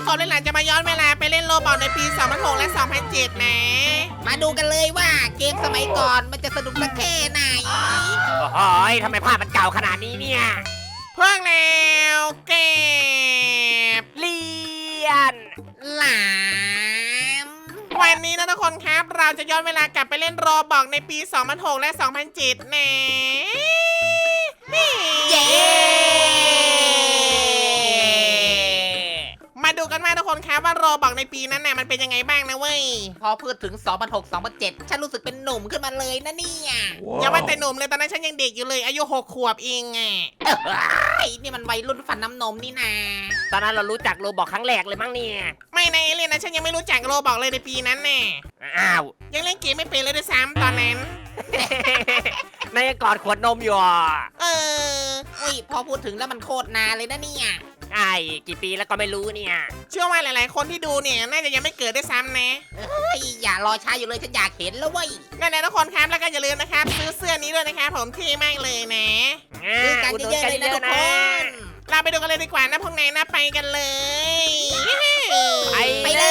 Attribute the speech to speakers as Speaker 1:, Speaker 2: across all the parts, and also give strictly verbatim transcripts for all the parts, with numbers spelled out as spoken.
Speaker 1: กบเล่นหลานจะมาย้อนเวลาไปเล่นโรบอทในปีสองพันหกและสองพันเจ็ดนะ
Speaker 2: มาดูกันเลยว่าเกมสมัยก่อนมันจะสนุกสักแค่ไหน
Speaker 3: โอ้ยทำไมภาพมันเก่าขนาดนี้เนี่ย
Speaker 1: เพิ่งแล้วเก็บ
Speaker 3: เลียน
Speaker 2: หลาม
Speaker 1: วันนี้นะทุกคนครับเราจะย้อนเวลากลับไปเล่นโรบอทในปีสองพันหกและสองพันเจ็ดนะนี่
Speaker 2: เย้
Speaker 1: มาดูกันว่าทุกคนครับว่าโรบอทในปีนั้นน่ะมันเป็นยังไงบ้างนะเว้ย
Speaker 2: พอพูดถึง สองพันหก สองพันเจ็ด ฉันรู้สึกเป็นหนุ่มขึ้นมาเลยนะเนี่ย
Speaker 1: อย่าว่าแต่หนุ่มเลยตอนนั้นฉันยังเด็กอยู่เลยอายุหกขวบเองไง
Speaker 2: ไอ้นี่มันวัยรุ่นฟันน้ำนมนี่นา
Speaker 3: ตอนนั้นเรารู้จักโรบอกครั้งแรกเลยมั้งเนี่ย
Speaker 1: ไม่ในเอเลียนนะฉันยังไม่รู้จักโรบอทเลยในปีนั้นแน่
Speaker 3: อ้าว
Speaker 1: ยังเล่นเกมไม่เป็นเลยด้วยซ้ำตอนนั้น
Speaker 3: นายกอดขวดนมอยู่อ่ะ
Speaker 1: เออ
Speaker 2: อุ้ยพอพูดถึงแล้วมันโคตรนานเลยนะเนี่ย
Speaker 3: ไอ้กี่ปีแล้วก็ไม่รู้เนี่ย
Speaker 1: เชื่อว่าหลายๆ คนที่ดูเนี่ยน่าจะยังไม่เกิดด้วยซ้ำนะ
Speaker 2: เฮ้ยอย่ารอช้าอยู่เลยฉันอยากเห็นแล้วเว้ย
Speaker 1: นั่นแหละทุกคนครับแล้วก็อย่าลืมนะครับซื้อเสื้อนี้ด้วยนะครับผมเท่มากเลยนะ
Speaker 2: ซื้อกันเยอะๆเลยนะทุกคน
Speaker 1: เราไปดูกันเลยดีกว่านะพวกนายนะไปกันเลย
Speaker 3: ไป
Speaker 2: ไปเลย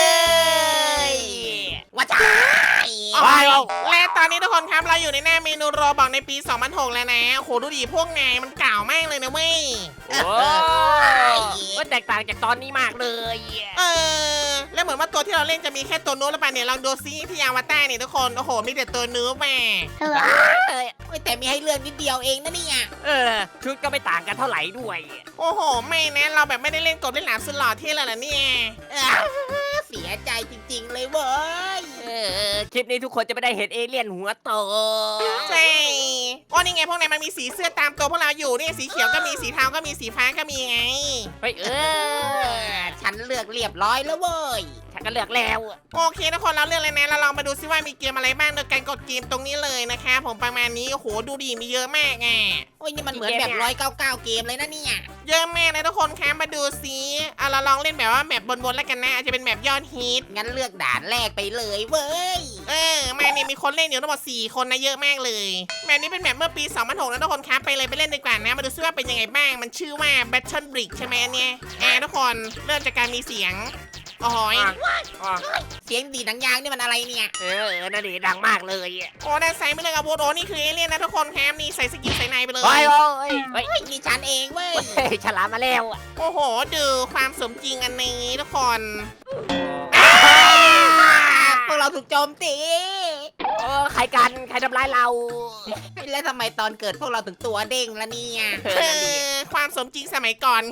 Speaker 2: ว่าจ้า
Speaker 1: โอ้ยและตอนนี้ทุกคนครับเราอยู่ในหน้าเมนูโรบอกในปีสองพันหกแล้วนะโหดูดิพวกนายมันเก่ามากเลยนะเว้ย
Speaker 3: โอ้ก็แตกต่างจากตอนนี้มากเลย
Speaker 1: เออแล้วเหมือนว่าตัวที่เราเล่นจะมีแค่ตัวนู้นแล้วป่ะเนี่ยลองดูซิที่อวตารเนี่ยทุกคนโอ้โหมีแต่ตัวนู้นแม่
Speaker 2: เฮ้ยแต่มีให้เลือกนิดเดียวเองนะเนี่ย
Speaker 3: เออชุดก็ไม่ต่างกันเท่าไหร่ด้วย
Speaker 1: โอ้โหไม่นะเราแบบไม่ได้เล่นกบเล่นหลามสุดหล่อเท่เลยล่ะเนี่ย
Speaker 2: เสียใจจริงๆเลยเว้ย
Speaker 3: เออคลิปนี้ทุกคนจะไม่ได้เห็นเอเลี่ยนหัวโต
Speaker 1: ใช่โอ้นี่ไงพวกนายมันมีสีเสื้อตามตัวพวกเราอยู่นี่สีเขียวก็มีสีเทาก็มีสีฟ้าก็มีไง
Speaker 3: เฮ้ยเอ
Speaker 2: เอ
Speaker 3: อ
Speaker 2: อฉันเลือกเรียบร้อยแล้วเว้ย
Speaker 3: ฉันก็เลือกแล้ว
Speaker 1: โอเคทุกคนเราเลือกเลยนะเราลองมาดูซิว่ามีเกมอะไรบ้างโดยการกดเกมตรงนี้เลยนะคะผมประมาณนี้โอ้โหดูดีมีเยอะมากไง
Speaker 2: โอ้ยนี่มันเหมือนแบบร้อยเก้าเก้าเกมเลยนะเนี่ย
Speaker 1: เยอะมากเลยทุกคนคะมาดูซิเอาเราลองเล่นแบบว่าแบบบนๆแล้วกันนะอาจจะเป็นแบบยอดฮิต
Speaker 2: งั้นเลือกด่านแรกไปเลยเว้ย
Speaker 1: เออมาเนี่ยมีคนเล่นอยู่ทั้งหมดสี่คนนะเยอะมากเลยแบบนี้เป็นแบบเมื่อปีสองพันหกนะทุกคนครับไปเลยไปเล่นดีกว่านะมาดูซิว่าเป็นยังไงบ้างมันชื่อว่า Battle Brick ใช่ไหมอันเนี้ยอ่าทุกคนเริ่มจากการมีเสียงโอ้โหย
Speaker 3: อ๋อ
Speaker 2: เสียงดีดหนังยางนี่มันอะไรเนี่ย
Speaker 3: เออเออนั่นดีดังมากเลย
Speaker 1: โอ้ด้านซ้ายไม่เลือกอาวุธโอ้นี่คือเอเลี่ยนนะทุกคนครับนี่ใส่สกินใส่ในไปเลย
Speaker 3: เฮ้ยเฮ้ยเฮ้ย
Speaker 2: เฮ้ยนี่ฉันเองเว้ย
Speaker 3: เฮ้ยฉลามมาแล้ว
Speaker 1: โอ้โหดูความสมจริงอันนี้ทุกคน
Speaker 2: พวกเราถูกโจมตี
Speaker 3: เออใครกันใครทำร้ายเรา
Speaker 2: แล้วทำไมตอนเกิดพวกเราถึงตัวเด้งละเนี่ย
Speaker 3: เอ
Speaker 1: เอ
Speaker 3: อนั่นดิ
Speaker 1: อความสมจริงสมัยก่อน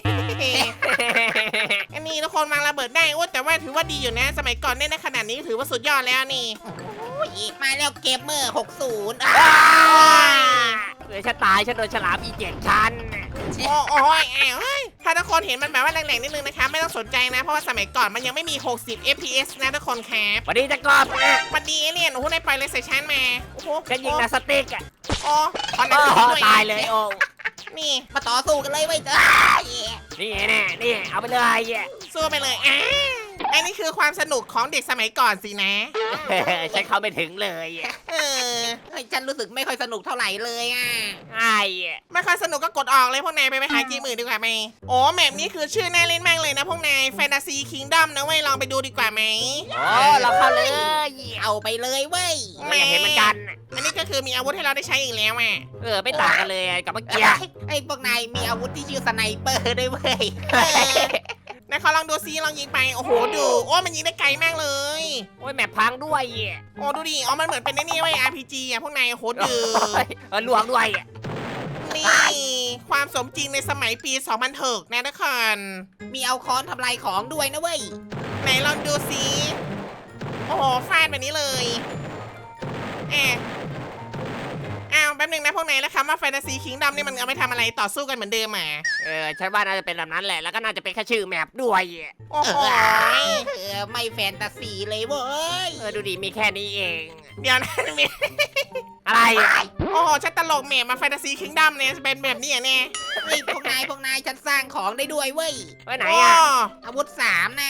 Speaker 1: อันนี้ทุกคนวางระเบิดได้โอ้แต่ว่าถือว่าดีอยู่นะ สมัยก่อนเล่นได้ขนาดนี้ถือว่าสุดยอดแล้วนี่
Speaker 2: โอ้ยมาแล้วเกมเมอร์หกสิบ
Speaker 3: เออฉันตายฉันโดนฉลามอีเจ็ดชั้น
Speaker 1: โอ้โอ้ยแอวเฮ้ยถ้าทุกคนเห็นมันแบบว่าแรงๆนิดนึงนะคะไม่ต้องสนใจนะ เพราะว่าสมัยก่อนมันยังไม่มี หกสิบ เอฟ พี เอส นะทุกคนครับ
Speaker 3: วันนี้จะกอบ
Speaker 1: วันดีเอเลี่ยนโอ้โหได้ไปเลยใส่ชั้นมาโอ้โห
Speaker 3: ฉันยิงนาสติ๊กอ่ะ
Speaker 1: โอ้ตอน
Speaker 3: โอ้
Speaker 1: นั้น
Speaker 3: โห
Speaker 1: ด้วย
Speaker 3: ตายเลยโอ้
Speaker 1: นี่
Speaker 2: มาต่อสู้กันเลยเว้ยเจ้า
Speaker 3: นี่แน่นี่เอาไปเลย
Speaker 1: สู้ไปเลยอ่าอันนี้คือความสนุกของเด็กสมัยก่อนสินะ
Speaker 3: ฉันเข้าไม่ถึงเลย
Speaker 1: เออ
Speaker 2: เฮ้ยฉันรู้สึกไม่ค่อยสนุกเท่าไหร่เลยอ่ะ
Speaker 3: ไอ้
Speaker 1: ไม่ค่อยสนุกก็กดออกเลยพวกนายไปไปหาเกมอื่นดีกว่าไหมโอ้แมปนี้คือชื่อน่าเล่นมากเลยนะพวกนายแฟนตาซีคิงดอมนะเว้ยลองไปดูดีกว่าไหม
Speaker 3: โอ้เราเข้าเลย
Speaker 2: เอาไปเลยเว้ย
Speaker 3: ไม่อยากเห็นเหมือนกัน
Speaker 1: อันนี้ก็คือมีอาวุธให้เราได้ใช้อีกแล้วอ่ะ
Speaker 3: เออไม่ต่างกันเลยกับเมื่อกี้
Speaker 2: ไอ้พวกนายมีอาวุธที่ชื่อสไนเปอร์ด้วยเว้ย
Speaker 1: เออนายเขาลองดูซิลองยิงไปโอ้โหดูโอ้มันยิงได้ไกลมากเลย
Speaker 3: โอ้ยแมพพังด้วย
Speaker 1: โอ้ดูดิอ๋อมันเหมือนเป็นไอ้นี่เว้ย อาร์ พี จี อ่ะพวกนายโอ้โหดู
Speaker 3: เออลวงด้วย
Speaker 1: นี่ความสมจริงในสมัยปีสองพันหกนะทุกคน
Speaker 2: มีเอาค้อนทำลายของด้วยนะเว้ย
Speaker 1: ไหนลองดูซิโอ้โหฟาดแบบนี้เลยแอบอ้าวแป๊บนึงนะพวกนายแล้วคำว่าแฟนตาซีคิงดอมนี่มันเอาไปทำอะไรต่อสู้กันเหมือนเดิมอ่ะ
Speaker 3: เออฉันว่าน่าจะเป็นแบบนั้นแหละแล้วก็น่าจะเป็นแค่ชื่อแมปด้วย
Speaker 1: โอ้โห
Speaker 2: เออไม่แฟนตาซีเลยเว้ย
Speaker 3: เออดูดิมีแค่นี้เอง
Speaker 1: เดี๋ยวนะมี
Speaker 3: อะไร
Speaker 1: โอ้โหฉันตลกเมมมาแฟนตาซีคิงดอมเนี่ยจะเป็นแบบนี้อ่ะเนี่ย
Speaker 2: เฮ้ยพวกนายพวกนายฉันสร้างของได้ด้วยเว้ย
Speaker 3: ไว้ไหน
Speaker 1: โอ้
Speaker 3: อ่ะ
Speaker 2: อาวุธสามน่ะ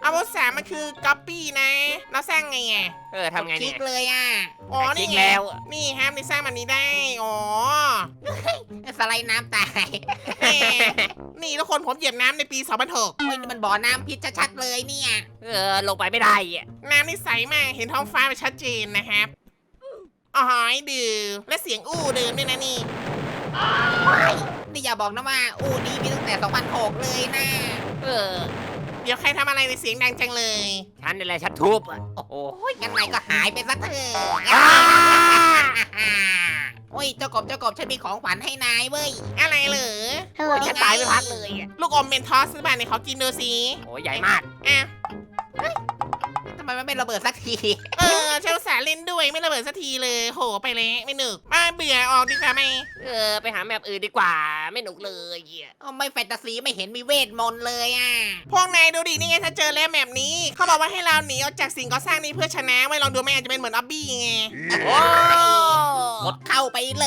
Speaker 1: อาวุธสามมันคือก๊อปปี้นะ เราสร้างไงอ่ะ
Speaker 3: เออทำไง
Speaker 2: คลิ
Speaker 3: เนี่ย
Speaker 2: กเลยอ่ะ
Speaker 1: อ๋อ
Speaker 3: คลิ
Speaker 1: นี่
Speaker 3: ก
Speaker 1: ไง
Speaker 3: แล้ว
Speaker 1: นี่ครับนี่สร้างแบบนี้ได้ อ๋อ
Speaker 2: สไลด์น้ำตาย
Speaker 1: แหมนี่ทุกคนผมเหยียบน้ำในปีสองพันหก
Speaker 2: โอ้ยนี่มันบ่อน้ำพิษชัดๆเลยเนี่ย
Speaker 3: เออลงไปไม่ได้อ่ะ
Speaker 1: น้ำนี่ใสมาก เห็นท้องฟ้าไปชัดเจนนะครับอ๋อหอยดื่มและเสียงอู้เดิมด้วยนะนี่
Speaker 2: นี่อย่าบอกนะว่า อู้นี่มีตั้งแต่สองพันหกเลยนะ
Speaker 3: เออ
Speaker 1: เดี๋ยวใครทำอะไรในเสียงดังจังเลย
Speaker 3: ฉันนี่แหละฉันทุบอ่ะ
Speaker 2: โอ้โหงั้นนายก็หายไปซะเถอะ
Speaker 3: อ้า
Speaker 2: โอ้ยเจ้ากบเจ้ากบฉันมีของขวัญให้นายเว้ย
Speaker 1: อะไรเหรอ
Speaker 3: โอ้ยฉันตายไม่พักเลยอ่ะ
Speaker 1: ลูกอมเมนทอสซื้อบ้านในขอกินดูสิ
Speaker 3: โอ้ยใหญ่มาก
Speaker 1: อ่ะ
Speaker 2: ทำไมมันไม่ระเบิดสักที
Speaker 1: เออเชลสาห์เล่นด้วยไม่ระเบิดสักทีเลย โหไปแล้วไม่หนึกมาเบื่อออกดีกว่าไหม
Speaker 3: เออไปหาแมปอื่นดีกว่าไม่หนุกเลยอ่ะ
Speaker 2: เอาไม่แฟนตาซีไม่เห็นมีเวทมนต์เลยอ่ะ
Speaker 1: พวกนายดูดินี่ไงถ้าเจอแล้วแบบนี้ เขาบอกว่าให้เราหนีออกจากสิ่งก่อสร้างนี้เพื่อชนะไว้ลองดูไหมอาจจะเป็นเหมือนออบบี้ไง
Speaker 3: โอ้
Speaker 2: กดเข้าไปเลย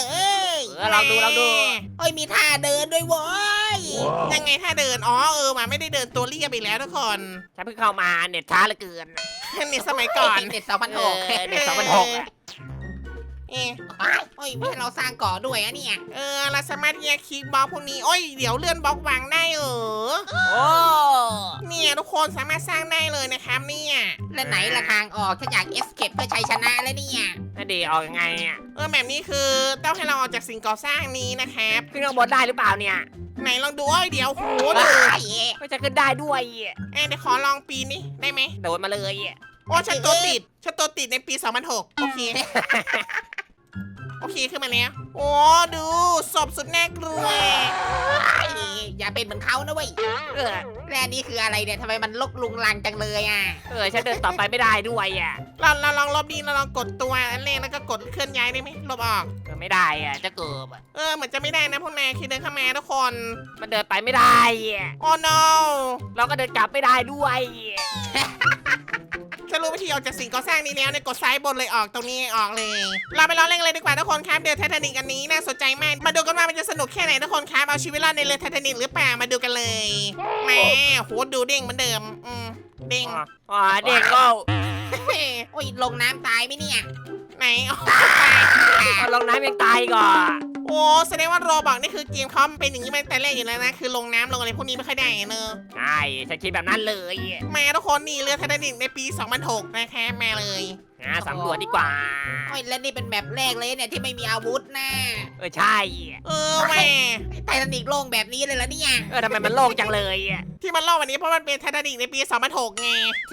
Speaker 3: เออลองดูลองดู
Speaker 2: โอ้ยมีท่าเดินด้วยเว้ย
Speaker 1: ยังไงถ้าเดิน อ๋อเออมาไม่ได้เดินตัวเรียบไปแล้วทุกคน
Speaker 3: ฉันเพิ่งเข้ามาเน็ตช้าเหลือเกิน
Speaker 1: นี่สมัยก่อน
Speaker 2: เน็ตสองพัน
Speaker 3: เอ
Speaker 2: ห
Speaker 3: อก เน็ตสองพันหกอ่ะ
Speaker 1: เอ๊ะ
Speaker 2: โอ้ยไม่ให้เราสร้างก่อด้วยอะเนี่ย
Speaker 1: เออเราสามารถที่จะคลิกบล็อกพวกนี้โอ้ยเดี๋ยวเลื่อนบล็อกวางได้เออ
Speaker 3: โอ้
Speaker 1: เนี่ยทุกคนสามารถสร้างได้เลยนะครับเนี่ย
Speaker 2: และไหนละทางออกฉันอยากเอสเคปเพื่อชัยชนะแล้วเนี่ย
Speaker 3: นั่นดีออกยังไงอ่ะ
Speaker 1: เออแบบนี้คือต้องให้เราออกจากสิ่งก่อสร้างนี้นะครับ
Speaker 3: ขึ้นข้างบนได้หรือเปล่าเนี่ย
Speaker 1: ไหนลองดูโอ้ยเดี๋ยวโห
Speaker 2: โอ้
Speaker 1: ดู
Speaker 2: ย
Speaker 3: ก็จะขึ้นได้ด้วยอ่ะ
Speaker 1: เอ้ยเดี๋ยวขอลองปีนี้ได้ไหม
Speaker 3: โดดมาเลยอ่ะ
Speaker 1: โอ้ฉันตัวติดฉันตัวติดในปีสองพันหกโอเค โอเคขึ้นมาแล้ว โอ้ดูศพสุดน่ากลัว
Speaker 2: อย่าเป็นเหมือนเขานะเว้ย
Speaker 3: เออ
Speaker 2: และอันนี้คืออะไรเนี่ยทำไมมันลกลุงลังจังเลยอ่ะ
Speaker 3: เออฉันเดินต่อไปไม่ได้ด้วยอ่ะ
Speaker 1: เราเราลองลบดีเราลองกดตัวอันแรกแล้วก็กดเคลื่อนย้ายได้ไหมลบออก
Speaker 3: เออไม่ได้อ่ะจะเกิบอ่ะ
Speaker 1: เออเหมือนจะไม่ได้นะพวกนายคือเดินเข้ามาทุกคน
Speaker 3: มันเดินไปไม่ได้อ่ะ
Speaker 1: โอ้ no
Speaker 3: เราก็เดินกลับไม่ได้ด้วยอ่ะ
Speaker 1: ฉันรู้วิธีออกจากสิ่งก่อสร้างนี้แล้วเนี่ยกดซ้ายบนเลยออกตรงนี้ออกเลย เราไปลองเล่นเลยดีกว่าทุกคนครับเรือไททานิกอันนี้น่าสนใจมากมาดูกันว่ามันจะสนุกแค่ไหนทุกคนครับเอาชีวิตรอดในเรือไททานิกหรือเปล่ามาดูกันเลยแหมโหดูเด้งเหมือนเดิมอืมเด้ง
Speaker 3: อ๋อเด็กก็
Speaker 2: โอ้ยลงน้ำตายไหมเนี่ย
Speaker 1: ไหนอ๋อ
Speaker 3: เอาลงน้ำยังตายก่อน
Speaker 1: โอ้แสดงว่าโรบอกนี่คือเกมเขาเป็นอย่างนี้มาตั้งแต่แรกอยู่แล้วนะคือลงน้ำลงอะไรพวกนี้ไม่ค่อยได้เนอะ
Speaker 3: ใช่ฉันคิดแบบนั้นเลยอ่ะ
Speaker 1: มาทุกคนนี่เรือไททานิกในปีสองพันหกนะคะมาเลย
Speaker 3: อ่ะสำรวจดีกว่า
Speaker 2: โอ้ยและนี่เป็นแมปแรกเลยเนี่ยที่ไม่มีอาวุธนะ
Speaker 3: เออใช่อ่ะ
Speaker 1: เออแหม่
Speaker 2: ไททานิกโล่งแบบนี้เลยเหรอเนี่ย
Speaker 3: เออทำไมมันโล่งจังเลยอ่ะ
Speaker 1: ที่มันเล่าวันนี้เพราะมันเป็นไททานิกในปีสองพันหกไง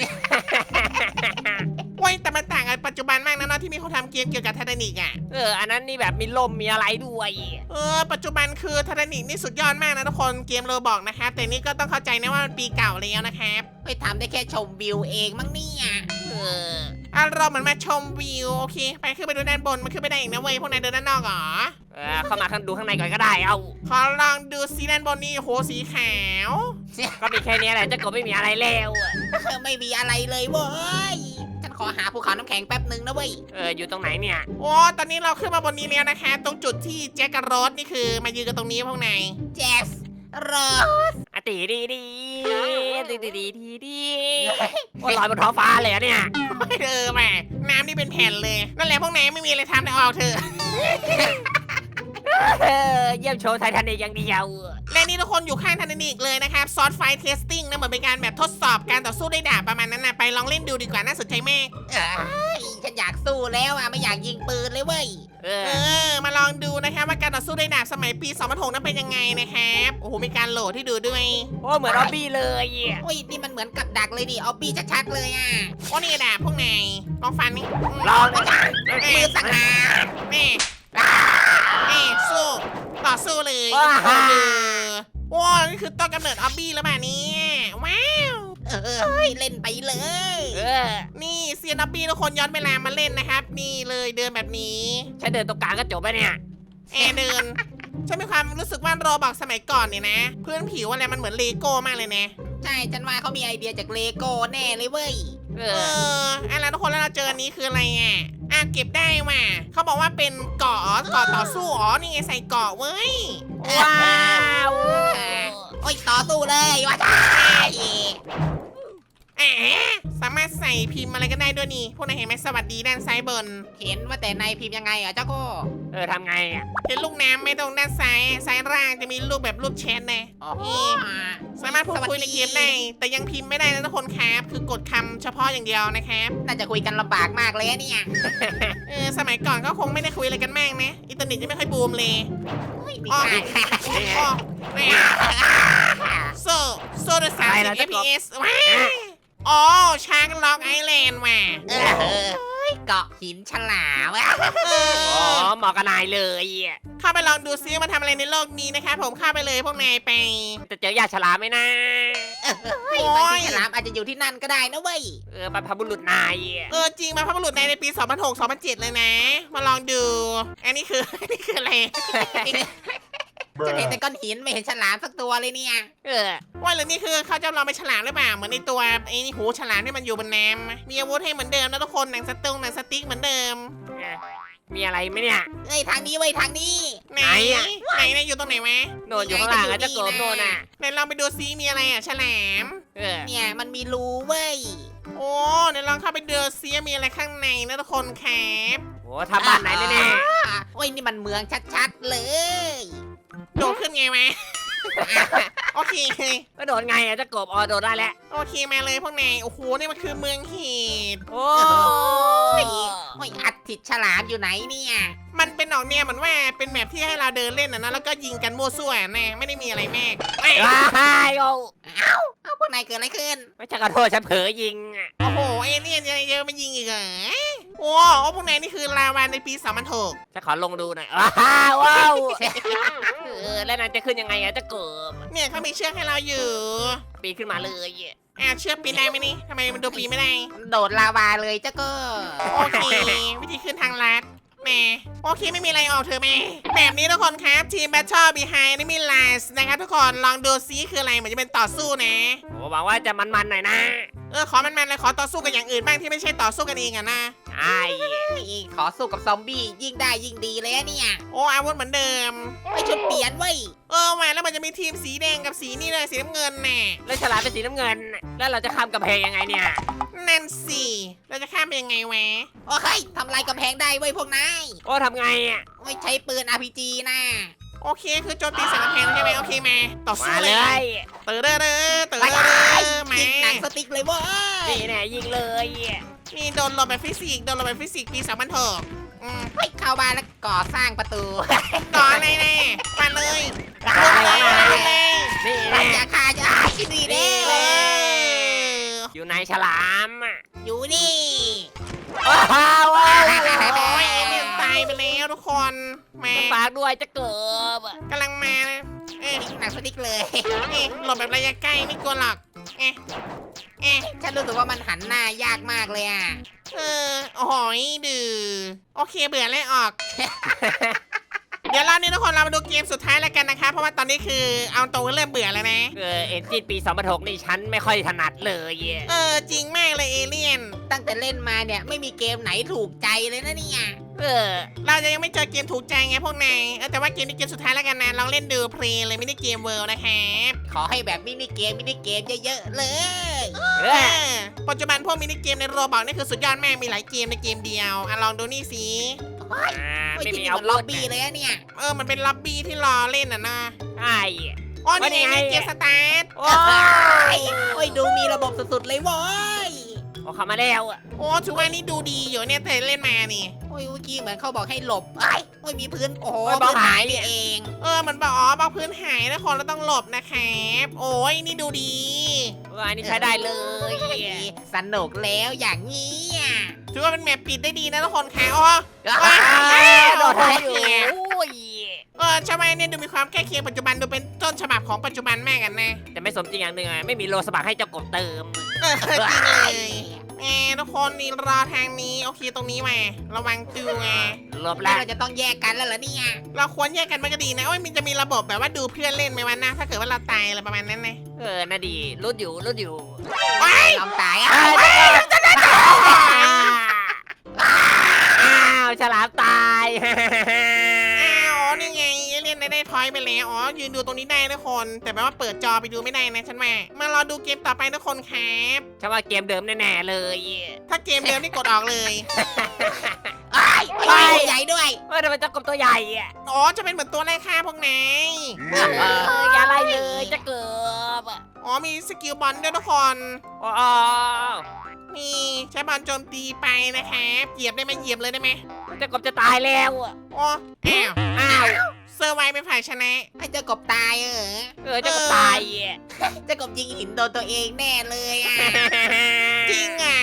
Speaker 1: โอ้ยแต่มันต่างกันปัจจุบันมากนะเนาะที่มีคนทำเกมเกี่ยวกับไททานิกอ่ะ
Speaker 3: เอออันนั้นนี่แบบมีลมมีอะไรด้วย
Speaker 1: เออปัจจุบันคือไททานิกนี่สุดยอดมากนะทุกคนเกมโรบอกนะครับแต่นี่ก็ต้องเข้าใจนะว่ามันปีเก่าแล้วนะครับ
Speaker 2: ไปทำได้แค่ชมวิวเองมั้งเนี่ย
Speaker 3: เออ
Speaker 1: อ่ะเราเหมือนมาชมวิวโอเค ไปขึ้นไปดูด้านบนมันขึ้นไปได้อีกนะเว้ยพวกนายเดินด้านนอกเหรอ
Speaker 3: เออเข้ามาข้างดูข้างในก่อนก็ได้เอา
Speaker 1: ขอลองดูสีด้านบนนี่โหสีขาว
Speaker 3: ก็มีแค่นี้แหละเจะกบไม่มีอะไรแล้วอะ
Speaker 2: เออไม่มีอะไรเลยเว้ย ฉันขอหาภูเขาน้ำแข็งแป๊บหนึ่งนะเว้ย
Speaker 3: เอออยู่ตรงไหนเนี่ย
Speaker 1: โอ้ตอนนี้เราขึ้นมาบนนี้แล้วนะคะ ตรงจุดที่แจ็คกับโรสนี่คือมายืนกันตรงนี้พวกนาย
Speaker 2: แจสรอ
Speaker 3: อะตีดีดีดีดีดีดีดีโอ้ยลอยบนท้องฟ้าเลยอะเนี่ย
Speaker 1: เออแหมน้ำนี่เป็นแผ่นเลย นั่นแหละพวกนายไม่มีอะไรทำแต่ออกเถอะ
Speaker 3: เออเยี่ยมโชว์ไททานิกอย่างเดียว
Speaker 1: และนี่ทุกคนอยู่ข้างไททานิกเลยนะครับซอสไฟเทสติ้งนะเหมือนเป็นการแบบทดสอบการต่อสู้ด้วยดาบประมาณนั้นนะไปลองเล่นดูดีกว่าน่าสนใจมาก
Speaker 2: เอ้ยฉันอยากสู้แล้วอ่ะไม่อยากยิงปืนเลยเว้ย
Speaker 3: เอ
Speaker 1: เอ
Speaker 3: อ
Speaker 1: อ มาลองดูนะครับว่าการต่อสู้ด้วยดาบสมัยปีสองพันหกนั้นเป็นยังไงนะครับโอ้โหมีการโหลดให้ดูด้วย
Speaker 3: โอ้เหมือนออบบี้เลยอะ
Speaker 2: โอ้ยนี่มันเหมือนกับดักเลยดิออบบี้ชัดๆเลยอ่ะ
Speaker 1: โอ้นี่ดาบพวกนายลองฟันนี่
Speaker 3: ลองนะ
Speaker 2: มือสักหา
Speaker 1: แม่แม่สู้ต่อสู้เลย
Speaker 3: ว้า
Speaker 1: เออว้านี่คือต้นกำเนิดออบบี้แล้วแบบนี้ว้าว
Speaker 2: เออเฮ้ยเล่นไปเลย
Speaker 3: เออ
Speaker 1: นี่เซียนออบบี้ทุกคนย้อนเวลามาเล่นนะครับ นี่เลยเดินแบบนี้
Speaker 3: ฉันเดินตรงกลางก็จบแล้วเนี่ย
Speaker 1: แอร์เดิน ฉันมีความรู้สึกว่าโรบอกสมัยก่อนเนี่ยนะ พื้นผิวอะไรมันเหมือนเลโก้มากเลยนะ
Speaker 2: ใช่ฉันว่าเขามีไอเดียจากเลโก้แน่เลยเว้ย
Speaker 3: เอ
Speaker 1: เอ
Speaker 3: อ
Speaker 1: ออะไรทุกคนแล้วเราเจออันนี้คืออะไรอ่ะอ่ะเก็บได้ว่ะเขาบอกว่าเป็นเกาะเกาะต่อสู้อ๋อนี่ไงใส่เกาะเว้ย
Speaker 3: ว้าว
Speaker 2: โอ้ยต่อสู้เลยว่าใช่
Speaker 1: อแอะสามารถใส่พิมพ์อะไรก็ได้ด้วยนี่พวกนายเห็นไหมสวัสดีด้านซ้ายบน
Speaker 2: เห็นว่าแต่ในพิมพ์ยังไงเหรอเจ้าโก้
Speaker 3: เออทำไงอ่ะ
Speaker 1: เห็นลูกน้ำไหม่ตรงด้านซ้ายซ้ายล่างจะมีรูปแบบรูปแชทนะ
Speaker 2: อ๋อ
Speaker 1: สามารถพูดคุยในเกมได้แต่ยังพิมพ์ไม่ได้นะทุกคนครับคือกดคำเฉพาะอย่างเดียวนะครับ
Speaker 2: น่าจะคุยกันลำบากมากเลยอะเนี่ย
Speaker 1: เออสมัยก่อนก็คงไม่ได้คุยอะไรกันมากนะอินเทอร์เน็ตยังไม่ค่อยบูมเลย
Speaker 2: ไม่
Speaker 1: อ๋อ
Speaker 2: ใช่
Speaker 1: อ๋อแม่โซโซเดอร์สามสิบ เอฟ พี เอส ว้ายอ๋อช้างล็อกไอแลนด์ว่ะ
Speaker 2: เออเกาะหินฉลามอะ
Speaker 1: เอ
Speaker 3: อ๋อ
Speaker 1: อ
Speaker 3: เหมาะกับนายเลยอ่ะ
Speaker 1: เข้าไปลองดูซิมาทำอะไรในโลกนี้นะครับผมเข้าไปเลยพวกนายไป
Speaker 3: จะเจอยาฉลามไหมนะ
Speaker 2: เฮ้ยบางทีฉลามอาจจะอยู่ที่นั่นก็ได้นะเว้ย
Speaker 3: เออบรรพบุรุษนายอ่ะ
Speaker 1: เออจริงมาพระบุรุษในในปี สองพันหก สองพันเจ็ด เลยนะ มาลองดู อันนี้คือ อันนี้คืออะไร
Speaker 2: จะเห็นแต่ก้อนหินไม่เห็นฉลามสักตัวเลยเนี่ย
Speaker 3: เออ
Speaker 1: ว่าหรือนี่คือเขาจะลองเป็นฉลามหรือเปล่าเหมือนในตัวไอ้นี่หูฉลามที่มันอยู่บนน้ำมีอาวุธให้เหมือนเดิมนะทุกคนหนังสตุ้งหนังสติ๊กเหมือนเดิม
Speaker 3: มีอะไรไหมเนี่ย
Speaker 2: เอ้ยทางนี้เว้ยทางนี้
Speaker 1: ไหน
Speaker 3: ไหนอะ
Speaker 1: ไหนนะอยู่ตรงไหนวะ
Speaker 3: โดนอยู่ข้างล่างอ่ะเจะโกบโดนอ่ะ
Speaker 1: ไหนลองไปดูซิมีอะไรอ่ะฉลาม
Speaker 3: เออ
Speaker 2: เนี่ยมันมีรูเว้ย
Speaker 1: โอ้เดี๋ยวลองเข้าไปดูซิมีอะไรข้างในนะทุกคนครับ
Speaker 3: โอ้ทำบ้านไหนแน่
Speaker 2: อ่ะโอ้ยนี่มันเมืองชัดๆเลย
Speaker 1: โดดขึ้นไงวะ โอเค
Speaker 3: ๆก็โดนไงอ่ะเจะโกบอ๋อโดนได้แล้ว
Speaker 1: โอเคมาเลยพวกนายโอ้โหนี่มันคือเมืองเห็ด
Speaker 3: โอ้
Speaker 2: โอ้ยโอ้ยอัดติดฉลามอยู่ไหนเนี่ย
Speaker 1: มันเป็นออกเนี่ยเหมือนว่าเป็นแมปที่ให้เราเดินเล่นนะนะแล้วก็ยิงกันมั่วซั่วนะไม่ได้มีอะไรมากเอ้ย
Speaker 3: ว้ายโอ้
Speaker 2: เอ้าเอ้าพวกนายเกิดอะไรขึ้น
Speaker 3: ไม่ใช่ขอโทษฉันเผลอยิงอ่ะ
Speaker 1: โอ้โหเอเลี่ยนยังเยอะมายิงอีกเหรอโอ้โอ้พวกนายนี่คือลาวาในปี สองพันหก
Speaker 3: ฉันขอลงดูหน่อยว้าวว้าวเออแล้วนายจะขึ้นยังไงอ่ะเจะโกบ
Speaker 1: เนี่ยเขามีเชือกให้เราอยู่
Speaker 3: ปีนขึ้นมาเลยอ่ะ
Speaker 1: อ่าเชือกปีนได้ไหมนี่ทำไมมันดูปีนไม่ได้
Speaker 2: โดดลาวาเลยเจ้าก็
Speaker 1: โอเค วิธีขึ้นทางลัดแหมโอเคไม่มีอะไรออกเธอแม่แบบนี้ทุกคนครับทีม Battle Behind Enemy Lines นะครับทุกคนลองดูซิคืออะไรเหมือนจะเป็นต่อสู้นะ
Speaker 3: โอ้หวังว่าจะมันๆหน่อยนะ
Speaker 1: เออขอมันๆเลยขอต่อสู้กับอย่างอื่นบ้างที่ไม่ใช่ต่อสู้กันเองอะนะ
Speaker 3: ใช่
Speaker 2: นี่ขอสู้กับซอมบี้ยิ่งได้ยิ่งดีเลยอะเนี่ย
Speaker 1: โอ้อาวุธเหมือนเดิม
Speaker 2: ไม่ชุดเปลี่ยนเว้ย
Speaker 1: เออมาแล้วมันจะมีทีมสีแดงกับสีนี่เลยสีน้ำเงินน่ะ
Speaker 3: แล้วฉลามเป็นสีน้ำเงิน แล้วเราจะข้ามกำแพงยังไงเนี่ย
Speaker 1: นั่นสิเราจะข้ามไปยังไงวะ
Speaker 2: โอ้ยทำลายกำแพงได้เว้ยพวกนาย
Speaker 3: โอ้ทำไงอ่ะ
Speaker 2: ไม่ใช้ปืน อาร์ พี จี นะ
Speaker 1: โอเคคือโจมตีใส่กำแพงใช่ไหมโอเคมาต่อสู้
Speaker 3: มา
Speaker 1: เล
Speaker 3: เลย ย
Speaker 1: เตอเด้อเด้อเตอ
Speaker 2: ไป
Speaker 1: เด้อ
Speaker 2: ไป
Speaker 1: เด้อมา
Speaker 2: ยิงหนังสติ๊กเลยเว้ย
Speaker 3: นี่แน่ยิงเลย
Speaker 1: นี่โดนหลบแบบฟิสิกส์โดนหลบแบบฟิสิกส์ปีสองพันหกอืม
Speaker 2: เฮ้ยเข้าบ้านแล้วก่อสร้างประตู
Speaker 1: ต่ออะไรแน่มาเลย
Speaker 3: อะไร
Speaker 1: มา
Speaker 3: นะ
Speaker 1: เลย
Speaker 3: นี่
Speaker 2: ไป
Speaker 3: แน่
Speaker 2: อย่าฆ่าจะคิดดีเด้
Speaker 1: เออ
Speaker 3: อยู่ในฉลามอ่ะ
Speaker 2: อยู่นี่
Speaker 3: ว้าวว้าว
Speaker 1: โอ้ยเอเลี่ยนตายไปแล้วทุกคนมา
Speaker 3: ฝากด้วยจะเกิบ
Speaker 1: กำลังมานะเอ๊ะ
Speaker 2: หนังสติ๊กเลย
Speaker 1: เอ๊ะหลบแบบระยะใกล้ไม่กลัวหรอกเอ๊ะเอ๊ะ
Speaker 2: ฉันรู้สึกว่ามันหันหน้ายากมากเลยอ่ะ
Speaker 1: เออโอ้โหดื้อโอเคเบื่อแล้วออก เดี๋ยวรอบนี้ทุกคนเรามาดูเกมสุดท้ายแล้วกันนะคะเพราะว่าตอนนี้คือเอาตรงเริ่มเบื่อแล้วนะ
Speaker 3: เออเอ็นจินปีสองพันหกนี่ฉันไม่ค่อยถนัดเลย
Speaker 1: เออจริงมากเลยเอเลี่ยน
Speaker 2: ตั้งแต่เล่นมาเนี่ยไม่มีเกมไหนถูกใจเลยนะเนี่ย
Speaker 3: เออ
Speaker 1: เราจะยังไม่เจอเกมถูกใจไงพวกนายเออแต่ว่าเกมนี้เกมสุดท้ายแล้วกันนะลองเล่นดูเพลย์เลยไม่ได้เกมเวิลด์นะครับ
Speaker 2: ขอให้แบบมินิเกมมินิเกมเยอะๆเลย
Speaker 3: เอ
Speaker 1: เอ
Speaker 3: อ
Speaker 1: อปัจจุบันพวกมินิเกมในโรบอกนี่คือสุดยอดมากมีหลายเกมในเกมเดียวอ่ะลองดูนี่สิ
Speaker 3: อ่า
Speaker 2: ไม่
Speaker 3: ไม่
Speaker 2: จริ
Speaker 3: มี
Speaker 2: งๆ
Speaker 3: อา
Speaker 2: มัน
Speaker 3: วุ
Speaker 2: ล็อ
Speaker 3: ธ
Speaker 2: บบี้เลยอะเนี่ย
Speaker 1: เออมันเป็นล็อบบี้ที่รอเล่นอ่ะนะ
Speaker 3: ใช่
Speaker 1: อ๋อนี่ไง
Speaker 3: ว่านี่ไง
Speaker 1: เกมสตาร์ท
Speaker 3: โอ้
Speaker 2: โอ้ยโอ้ยดูมีระบบสุดๆเลยเว้ย
Speaker 3: โอ้เข้ามาแล้วอ่ะ
Speaker 1: โอ้ถือว่านี่ดูดีอยู่เนี่ยแต่เล่นมานี่
Speaker 2: โอ้ยเมื่อกี้เหมือนเขาบอกให้หลบไอ้ยโอ้ยมีพื้นโอ้โห
Speaker 3: โอ้ยบล็อก
Speaker 2: พื้น
Speaker 3: หาย
Speaker 2: นี่เอง
Speaker 1: เออมันบอกอ๋อบล็อกพื้นหายนะคนเราต้องหลบนะครับโอ้ยนี่ดูดี
Speaker 3: ว่าอันนี้ใช้ได้เลย
Speaker 2: โอ้ยสนุกแล้วอย่างนี้อ่ะ
Speaker 1: ถือว่าเป็นแมปปิดได้ดีนะทุกคนค่ะอ๋อ
Speaker 3: ว้า
Speaker 1: ว้าว
Speaker 3: วโดนได้อยู่โอ้ย
Speaker 1: เออชาวบ้านเนี่ยดูมีความใกล้เคียงปัจจุบันดูเป็นต้นฉบับของปัจจุบันมากกันนะ
Speaker 3: แต่ไม่สมจริงอย่างหนึ่งอ่ะไม่มีโลสบักให้เจ้ากบเติม
Speaker 1: เออจริงเลยแอร์ทุกคนนี่รอทางนี้โอเคตรงนี้มาระวังตัวไง
Speaker 3: หลบ
Speaker 2: แล้
Speaker 3: แล้ว ว
Speaker 2: เราจะต้องแยกกันแล้วเหรอเนี่ย
Speaker 1: เราควรแยกกันมันก็ดีนะโอ้ยมันจะมีระบบแบบว่าดูเพื่อนเล่นไหมวะนะถ้าเกิดว่าเราตายอะไรประมาณนั้นนะ
Speaker 3: เออน่าดีรุดอยู่รุดอยู่
Speaker 1: ว้าย
Speaker 2: ยอมตาย
Speaker 3: อ้า
Speaker 2: อ่ะ
Speaker 3: วอ้าวฉลามตาย
Speaker 1: อ้าวนี่ไงเอเลี่ยนได้ได้พอยต์ไปแล้วอ๋อยืนดูตรงนี้ได้ทุกคนแต่แปลว่าเปิดจอไปดูไม่ได้นะฉันว่ามารอดูเกมต่อไปทุกคนครับ
Speaker 3: ฉันว่าเกมเดิมแน่ๆเลย
Speaker 1: ถ้าเกมเดิมนี่กดออกเลย
Speaker 2: ไอ้ยไอ้ใหญ่ด้วย
Speaker 3: เออทำไมเจ้ากบตัวใหญ่อะ
Speaker 1: อ๋อจะเป็นเหมือนตัวไล่ฆ่าพวกนาย
Speaker 3: เอออย่าไล่เลยจะเกือบ
Speaker 1: อ๋อมีสกิลบอลด้วยทุกคน
Speaker 3: อ๋อ
Speaker 1: นี่ใช้บอลโจมตีไปนะครับเหยียบได้ไหมเหยียบเลยได้ไหม
Speaker 3: เจ้ากบจะตายแล้วอะ
Speaker 1: อ๋ออ้าว
Speaker 3: อ้าว
Speaker 1: เซอร์ไวเป็นฝ่ายชนะ
Speaker 2: ให้เจ้ากบตายเออ
Speaker 3: เออเจ้ากบตายอะ
Speaker 2: เจ้ากบยิงหินโดนตัวเองแน่เลยอ่ะ
Speaker 1: จริงอ่ะ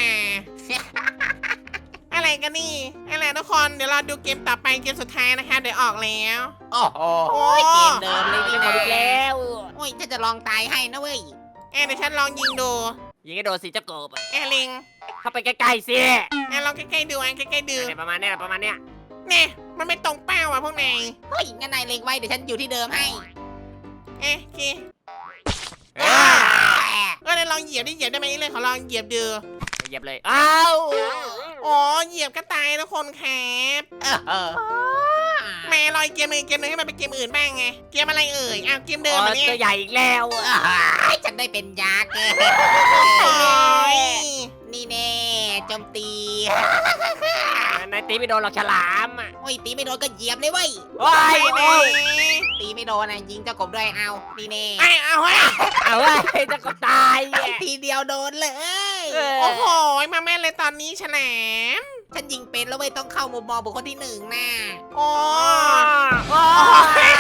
Speaker 1: อะไรกันนี่อะไรทุกคนเดี๋ยวเราดูเกมต่อไปเกมสุดท้ายนะคะเดี๋ยวออกแล้ว
Speaker 2: โอ้โหเกมเดิมเลย
Speaker 3: ยิ
Speaker 2: นี่
Speaker 3: งก
Speaker 2: นะ
Speaker 3: บอีกแล้ว
Speaker 2: โอ้ยฉันจะลองตายให้นะเว้ย
Speaker 1: แอนเดี๋ยวฉันลองยิงดู
Speaker 3: ยิงให้โดนสิเจ้ากบอะ
Speaker 1: แอนลิง
Speaker 3: เข้าไปใกล้ๆสิ
Speaker 1: แอนลองใกล้ๆดูแอนใกล้ๆดู
Speaker 3: เนี่ยประมาณเนี้ยประมาณเนี้ย
Speaker 1: เนี่ยมันไม่ตรงเป้าอ่ะพวกนาย
Speaker 2: เฮ้ยงั้นนายเล็งไว้เดี๋ยวฉันอยู่ที่เดิมให้
Speaker 1: เอ๊ะโอเค
Speaker 3: เออ
Speaker 1: เออเดี๋ยวลองเหยียบดิเหยียบได้ไหมเลยขอลองเหยียบดู
Speaker 3: เหยียบเลยอ้าว
Speaker 1: อ๋อเหยียบก็ตายทุกคนครับ
Speaker 2: เออเออ
Speaker 1: แม่ลอยเกมหนึ่งเกมหนึ่งให้มันเป็นเกมอื่นบ้างไงเกมอะไรเอ่ยอ้าวเกมเดิม
Speaker 3: อ๋อ
Speaker 1: อันนี้
Speaker 3: ตัวใหญ่อีกแล้วอะ
Speaker 2: เอ้ยฉันได้เป็นยักษ์
Speaker 1: โอ้ย
Speaker 2: นี่แน่โจมตี
Speaker 3: นายตีไม่โดนหรอกฉลามอะ
Speaker 2: โอ้ยตีไม่โดนก็เหยียบเลยเว้ย
Speaker 3: โอ้ย
Speaker 1: ไป
Speaker 3: โอ้
Speaker 1: เลย ย
Speaker 2: ตีไม่โดนนะยิงเจ้ากบด้วยเอานี่แน่
Speaker 1: ไอ้เอาเฮ้ย
Speaker 3: เอาเว้ยเจ้ากบตายอะ
Speaker 2: ทีเดียวโดนเลย
Speaker 3: เออ
Speaker 1: โอ้โหมาแม่นเลยตอนนี้ฉลาม
Speaker 2: ฉันยิงเป็นแล้วเว้ยต้องเข้ามุมมองบุคคลที่หนึ่งน่ะ
Speaker 1: โอ้
Speaker 3: โอ้ย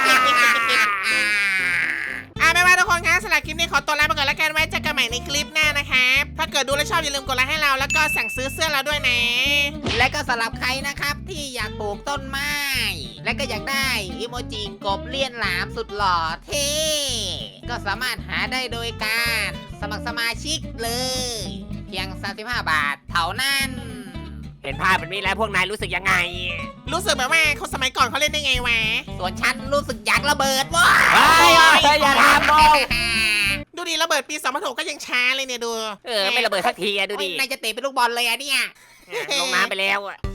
Speaker 1: อ่ะไม่ว่าทุกคนคะสำหรับคลิปนี้ขอตัวลาไปก่อนแล้วกันไว้เจอกันใหม่ในคลิปหน้านะครับถ้าเกิดดูแล้วชอบอย่าลืมกดไลค์ให้เราแล้วก็สั่งซื้อเสื้อเราด้วยนะ
Speaker 2: และก็สำหรับใครนะครับที่อยากปลูกต้นไม้ และก็อยากได้อิโมจิกบเลี่ยนหลามสุดหล่อเท่ก็สามารถหาได้โดยการสมัครสมาชิกเลย เพียงสามสิบห้าบาทเท่านั้น
Speaker 3: เห็นภาพแบบนี้แล้วพวกนายรู้สึกยังไง
Speaker 1: รู้สึกแบบว่าคนสมัยก่อนเขาเล่นได้ไงวะ
Speaker 2: ส่วนฉันรู้สึกอยากระเบิดว้า
Speaker 3: เฮ้ยเฮ้ยอย่าทำโม
Speaker 1: ดูดิระเบิดปีสองพันหกก็ยังช้าเลยเนี่ยดู
Speaker 3: เออไม่ระเบิดสักทีอะดูดิ
Speaker 2: นายจะเตะเป็นลูกบอลเลยอะเนี่ย
Speaker 3: ลงน้ำไปแล้วอะ